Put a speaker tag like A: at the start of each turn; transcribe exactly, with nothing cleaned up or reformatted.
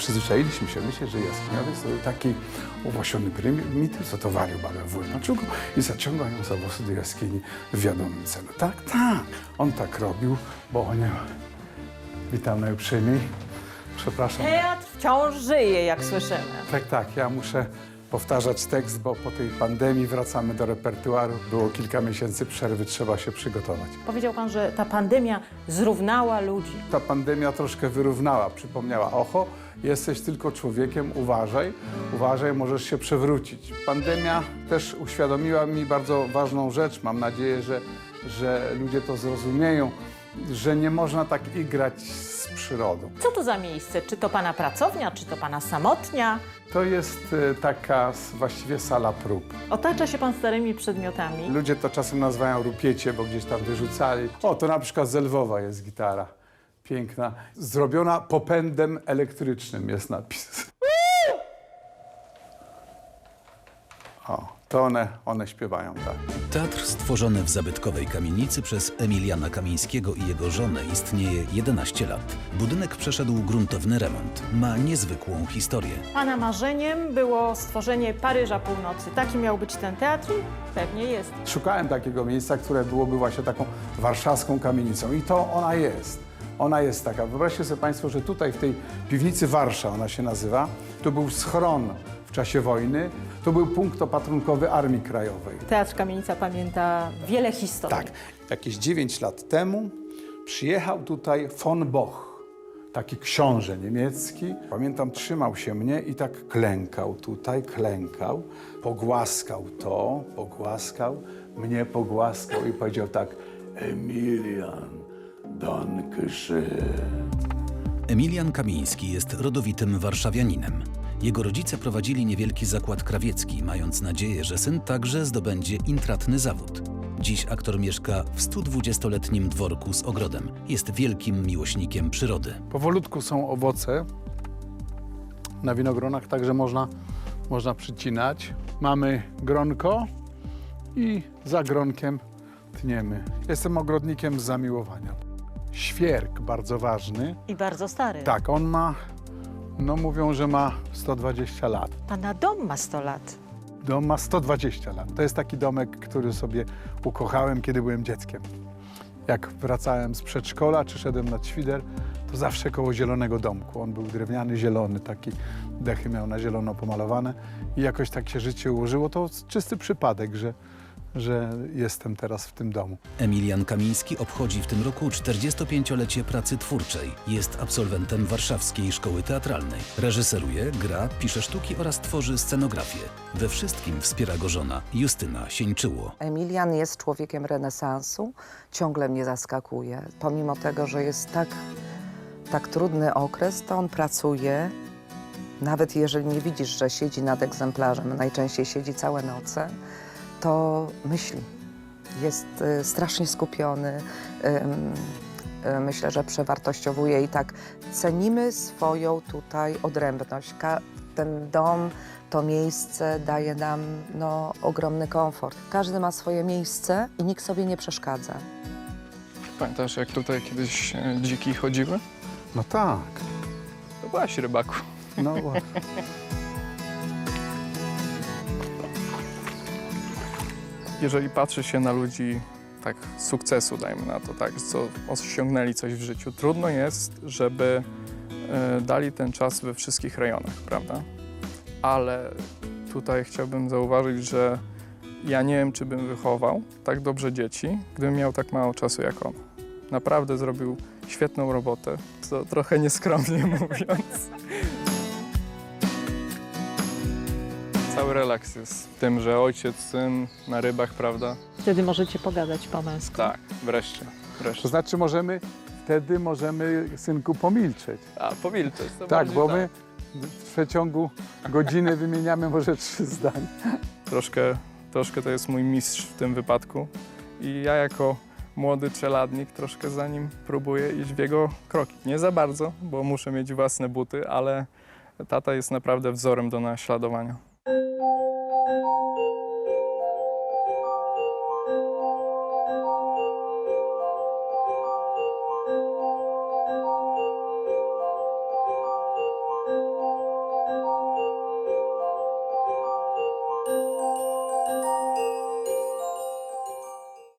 A: Przyzwyczailiśmy się myśleć, że jaskiniowiec to taki uwłasiony prymityw, co to warił babę w Wólmaczugу i zaciągał ją za włosy do jaskini w wiadomym celu. Tak, tak, on tak robił, bo on... Witam najuprzejmiej. Przepraszam.
B: Teatr wciąż żyje, jak słyszymy.
A: Tak, tak, ja muszę powtarzać tekst, bo po tej pandemii wracamy do repertuaru. Było kilka miesięcy przerwy, trzeba się przygotować.
B: Powiedział pan, że ta pandemia zrównała ludzi.
A: Ta pandemia troszkę wyrównała, przypomniała, oho, jesteś tylko człowiekiem, uważaj, uważaj, możesz się przewrócić. Pandemia też uświadomiła mi bardzo ważną rzecz, mam nadzieję, że, że ludzie to zrozumieją, że nie można tak igrać z przyrodą.
B: Co to za miejsce? Czy to pana pracownia, czy to pana samotnia?
A: To jest e, taka s- właściwie sala prób.
B: Otacza się pan starymi przedmiotami.
A: Ludzie to czasem nazywają rupiecie, bo gdzieś tam wyrzucali. O, to na przykład z Lwowa jest gitara. Piękna. Zrobiona popędem elektrycznym jest napis. O, to one, one śpiewają, tak.
C: Teatr stworzony w zabytkowej kamienicy przez Emiliana Kamińskiego i jego żonę istnieje jedenaście lat. Budynek przeszedł gruntowny remont. Ma niezwykłą historię.
B: Pana marzeniem było stworzenie Paryża Północy. Taki miał być ten teatr i pewnie jest.
A: Szukałem takiego miejsca, które byłoby właśnie taką warszawską kamienicą i to ona jest. Ona jest taka. Wyobraźcie sobie państwo, że tutaj w tej piwnicy Warsza, ona się nazywa, to był schron w czasie wojny, to był punkt opatrunkowy Armii Krajowej.
B: Teatr Kamienica pamięta wiele historii.
A: Tak, jakieś dziewięć lat temu przyjechał tutaj von Boch, taki książę niemiecki. Pamiętam, trzymał się mnie i tak klękał tutaj, klękał, pogłaskał to, pogłaskał, mnie pogłaskał i powiedział tak: Emilian, danke schön.
C: Emilian Kamiński jest rodowitym warszawianinem. Jego rodzice prowadzili niewielki zakład krawiecki, mając nadzieję, że syn także zdobędzie intratny zawód. Dziś aktor mieszka w studwudziestoletnim dworku z ogrodem. Jest wielkim miłośnikiem przyrody.
A: Powolutku są owoce na winogronach, także można, można przycinać. Mamy gronko i za gronkiem tniemy. Jestem ogrodnikiem z zamiłowania. Świerk bardzo ważny.
B: I bardzo stary.
A: Tak, on ma, no mówią, że ma sto dwadzieścia lat.
B: Pana dom ma sto lat.
A: Dom ma sto dwadzieścia lat. To jest taki domek, który sobie ukochałem, kiedy byłem dzieckiem. Jak wracałem z przedszkola czy szedłem nad świder, to zawsze koło zielonego domku. On był drewniany, zielony, taki dechy miał na zielono pomalowane i jakoś tak się życie ułożyło. To czysty przypadek, że, że jestem teraz w tym domu.
C: Emilian Kamiński obchodzi w tym roku czterdziestopięciolecie pracy twórczej. Jest absolwentem Warszawskiej Szkoły Teatralnej. Reżyseruje, gra, pisze sztuki oraz tworzy scenografię. We wszystkim wspiera go żona Justyna Sieńczyło.
D: Emilian jest człowiekiem renesansu, ciągle mnie zaskakuje. Pomimo tego, że jest tak, tak trudny okres, to on pracuje. Nawet jeżeli nie widzisz, że siedzi nad egzemplarzem, najczęściej siedzi całe noce, to myśli. Jest y, strasznie skupiony. Y, y, myślę, że przewartościowuje i tak cenimy swoją tutaj odrębność. Ka ten dom, to miejsce daje nam no, ogromny komfort. Każdy ma swoje miejsce i nikt sobie nie przeszkadza.
E: Pamiętasz, jak tutaj kiedyś e, dziki chodziły?
A: No tak,
E: To byłaś, rybaku.
A: no właśnie.
E: Jeżeli patrzy się na ludzi tak sukcesu, dajmy na to, tak, co osiągnęli coś w życiu, trudno jest, żeby e, dali ten czas we wszystkich rejonach, prawda? Ale tutaj chciałbym zauważyć, że ja nie wiem, czy bym wychował tak dobrze dzieci, gdybym miał tak mało czasu jak on. Naprawdę zrobił świetną robotę, co trochę nieskromnie mówiąc. Cały relaks jest w tym, że ojciec, syn na rybach, prawda?
B: Wtedy możecie pogadać po męsku.
E: Tak, wreszcie,
A: To
E: wreszcie.
A: znaczy możemy, wtedy możemy, synku, pomilczeć.
E: A, pomilczeć. to
A: Tak,
E: bardziej
A: bo my w przeciągu godziny wymieniamy może trzy zdania.
E: Troszkę, troszkę to jest mój mistrz w tym wypadku i ja jako młody czeladnik troszkę za nim próbuję iść w jego kroki. Nie za bardzo, bo muszę mieć własne buty, ale tata jest naprawdę wzorem do naśladowania.